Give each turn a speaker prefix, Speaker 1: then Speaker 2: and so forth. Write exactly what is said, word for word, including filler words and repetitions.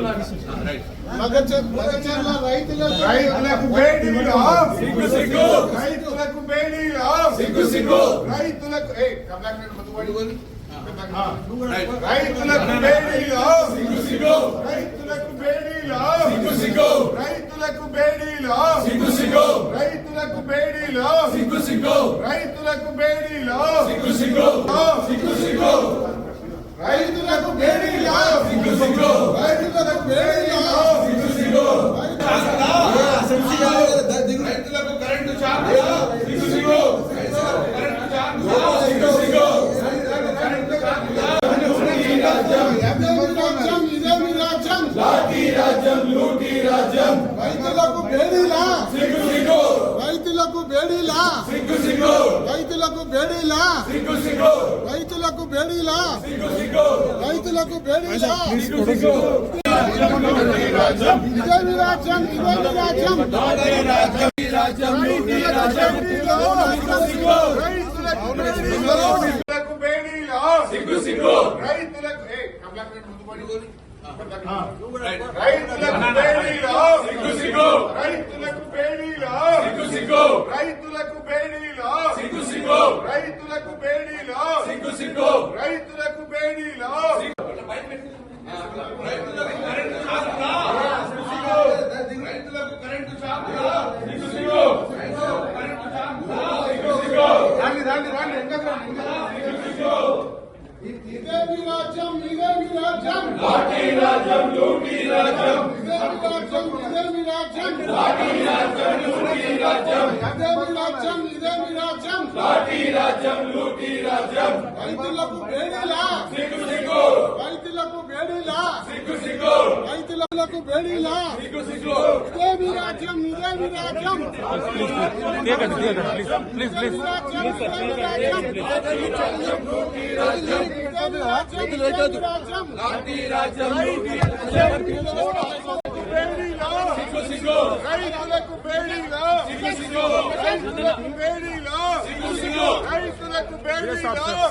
Speaker 1: మగచర్ల రైతులకు రైతులకు బేడీలా సిగ్గు సిగ్గు రైతులకు బేడీలా సిగ్గు సిగ్గు రైతులకు ఏ కమలాకర్ మధుబడి బోల్ రైతులకు బేడీలా సిగ్గు సిగ్గు రైతులకు బేడీలా సిగ్గు సిగ్గు రైతులకు బేడీలా సిగ్గు సిగ్గు రైతులకు బేడీలా సిగ్గు సిగ్గు రైతులకు బేడీలా సిగ్గు సిగ్గు సిగ్గు సిగ్గు రైతులకు బేడీలా సిగ్గు సిగ్గు రైతులకు బేడీలా సిగ్గు సిగ్గు రైతులకు కరెంటు షాక్ సిగ్గు సిగ్గు కరెంటు షాక్ సిగ్గు సిగ్గు కరెంటు షాక్ రాజ్యం ఇదే మీ రాజ్యం లాఠీ రాజ్యం లూటీ రాజ్యం రైతులకు బేడీలా సిగ్గు సిగ్గు రైతులకు బేడీలా సిగ్గు సిగ్గు రైతులకు బేడీలా సిగ్గు సిగ్గు రైతులకు బేడీలా సిగ్గు సిగ్గు రైతులకు బేడీలా సిగ్గు సిగ్గు రాజ్యం ఇదే మీ రాజ్యం ఇదే మీ రాజ్యం లాఠీ రాజ్యం ఈ రాజ్యం లూటీ రాజ్యం సిగ్గు సిగ్గు రైతులకు బేడీలా సిగ్గు సిగ్గు రైతులకు ఏ కమలాకర్ మధుబడి బోల్ రైతులకు బేడీలా సిగ్గు సిగ్గు రైతులకు బేడీలా సిగ్గు సిగ్గు రైతులకు బేడీలా సిగ్గు సిగ్గు రైతులకు బేడీలా సిగ్గు సిగ్గు రైతులకు బేడీలా రైతులకు కరెంటు షాక్ సిగ్గు సిగ్గు కరెంటు షాక్ సిగ్గు సిగ్గు రాండి రాండి రాండి ఎంగరా సిగ్గు సిగ్గు ఇదే మీ రాజ్యం ఇదే మీ రాజ్యం లాఠీ రాజ్యం లూటీ రాజ్యం ఇదే మీ రాజ్యం ఇదే మీ రాజ్యం లాఠీ రాజ్యం లూటీ రాజ్యం ఇదే మీ రాజ్యం ఇదే మీ రాజ్యం లాఠీ రాజ్యం లూటీ రాజ్యం రైతులకు బేడీలా సిగ్గు సిగ్గు రైతులకు బేడీలా సిగ్గు సిగ్గు రైతులకు బేడీలా సిగ్గు సిగ్గు ఇదే మీ రాజ్యం ఇదే మీ రాజ్యం ప్లీజ్ ప్లీజ్ ప్లీజ్ లాఠీ రాజ్యం సిగ్గు సిగ్గు రైతులకు బేడీలా సిగ్గు సిగ్గు రైతులకు బేడీలా సిగ్గు సిగ్గు రైతులకు బేడీలా